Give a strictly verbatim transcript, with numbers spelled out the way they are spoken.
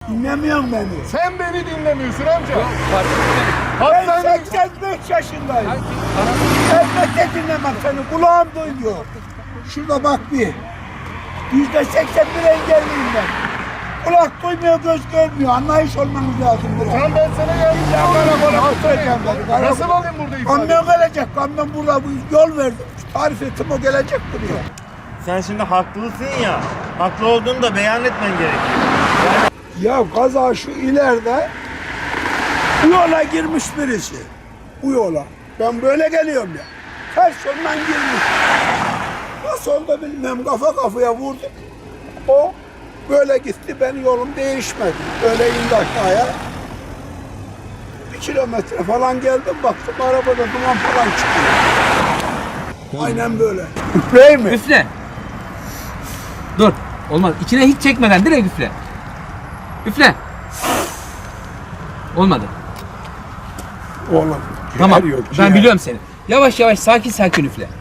Dinlemiyorsun beni. Sen beni dinlemiyorsun amca. Ben Hatta seksen beş yaşındayım. Elbette dinlemem seni. Kulağım duyuyor. Şurada bak bir. Yüzde seksen bir engelliyim ben. Kulak duymuyor, göz görmüyor. Anlayış olmanız lazım burada. Tamam ben sana yardımcı Ya olayım. karakola götüreceğim beni. Karakola. Nasıl alayım burada ifade? Kamyon gelecek. Kamyon burada bu yol verdim. Tarif ettim, o gelecek buraya. Sen şimdi haklısın ya. Haklı olduğunu da beyan etmen gerekiyor. Ya kaza şu ileride bu yola girmiş birisi. Bu yola. Ben böyle geliyorum ya. Ters yoldan girmiş. Nasıl oldu bilmem, kafa kafaya vurdu. O böyle gitti, benim yolum değişmedi. Böyle indi aşağıya. Bir kilometre falan geldim, baktım arabada duman falan çıkıyor. Aynen böyle. Üfleyeyim mi? Üfle. Dur. Olmaz. İçine hiç çekmeden direkt üfle. Üfle. Olmadı. Oğlum. Tamam. ciğer yok, Ben ciğer. biliyorum seni. Yavaş yavaş sakin sakin üfle.